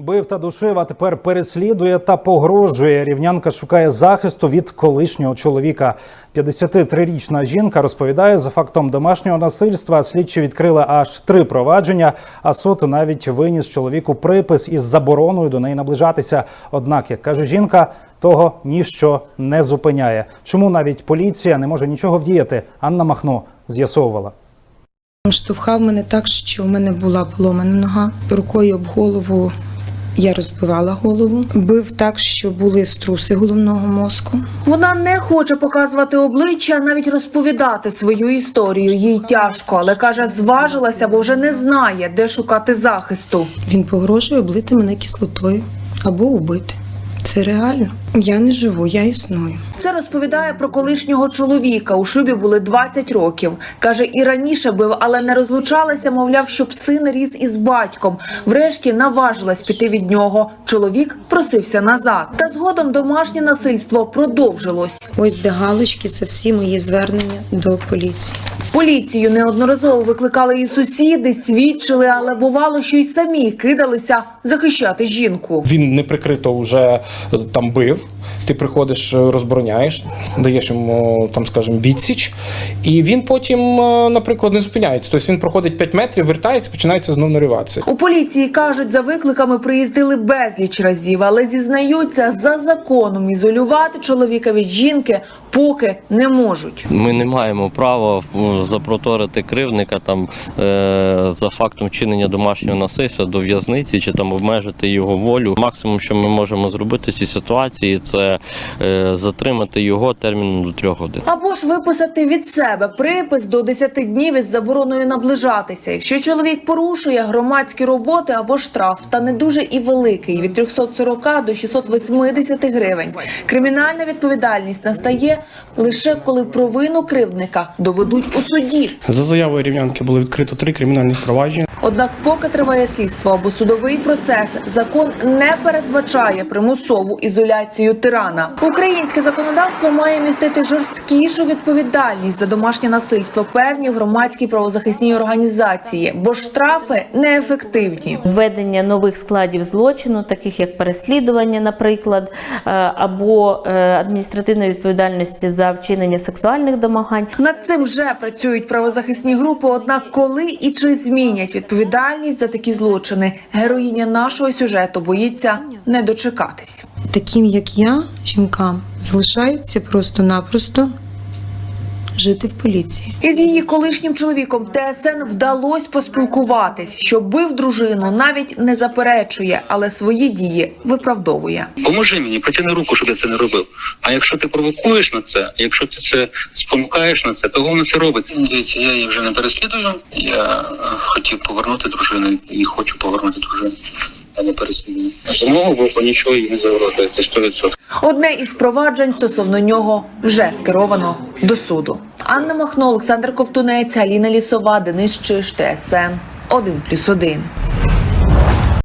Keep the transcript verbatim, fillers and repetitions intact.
Бив та душив, а тепер переслідує та погрожує. Рівнянка шукає захисту від колишнього чоловіка. п'ятдесятитрирічна жінка розповідає, за фактом домашнього насильства слідчі відкрили аж три провадження, а суд навіть виніс чоловіку припис із забороною до неї наближатися. Однак, як каже жінка, того ніщо не зупиняє. Чому навіть поліція не може нічого вдіяти? Анна Махно з'ясовувала. Штовхав мене так, що в мене була поломана нога. Рукою об голову я розбивала голову. Бив так, що були струси головного мозку. Вона не хоче показувати обличчя, навіть розповідати свою історію. Їй тяжко, але каже, зважилася, бо вже не знає, де шукати захисту. Він погрожує облити мене кислотою або убити. Це реально. Я не живу, я існую. Це розповідає про колишнього чоловіка. У шлюбі були двадцять років. Каже, і раніше бив, але не розлучалися, мовляв, щоб син ріс із батьком. Врешті наважилась піти від нього. Чоловік просився назад. Та згодом домашнє насильство продовжилось. Ось де галочки, це всі мої звернення до поліції. Поліцію неодноразово викликали і сусіди, свідчили, але бувало, що й самі кидалися захищати жінку. Він неприкрито вже там бив. Ти приходиш, розбороняєш, даєш йому, там, скажімо, відсіч, і він потім, наприклад, не зупиняється. Тобто він проходить п'ять метрів, вертається, починається знову нариватися. У поліції кажуть, за викликами приїздили безліч разів, але зізнаються, за законом ізолювати чоловіка від жінки поки не можуть. Ми не маємо права запроторити кривдника там е, за фактом вчинення домашнього насильства до в'язниці чи там обмежити його волю. Максимум, що ми можемо зробити в цій ситуації, це е, затримати його терміном до трьох годин. Або ж виписати від себе припис до десяти днів із забороною наближатися. Якщо чоловік порушує громадські роботи або штраф, та не дуже і великий, від трьохсот сорока до шістсот восьмидесяти гривень. Кримінальна відповідальність настає лише коли провину кривдника доведуть у суді. За заявою рівнянки було відкрито три кримінальних провадження. Однак поки триває слідство або судовий процес, закон не передбачає примусову ізоляцію тирана. Українське законодавство має містити жорсткішу відповідальність за домашнє насильство певні громадські правозахисні організації, бо штрафи неефективні. Введення нових складів злочину, таких як переслідування, наприклад, або адміністративної відповідальності за вчинення сексуальних домагань. Над цим вже працюють правозахисні групи, однак коли і чи змінять відповідальність за такі злочини, героїня нашого сюжету боїться не дочекатись. Таким, як я, жінкам, залишається просто-напросто жити в поліції. Із її колишнім чоловіком ТСН вдалося поспілкуватись. Що бив дружину, навіть не заперечує, але свої дії виправдовує. Поможи мені, протягни руку, щоб я це не робив. А якщо ти провокуєш на це, якщо ти це спонукаєш на це, то воно це робиться. Дивіться, я її вже не переслідую. Я хотів повернути дружину і хочу повернути дружину. А не переслідую. З мого боку нічого їй не загрожує, це сто відсотків. Одне із проваджень стосовно нього вже скеровано до суду. Анна Махно, Олександр Ковтунець, Аліна Лісова, Денис Чиш, ТСН один плюс один.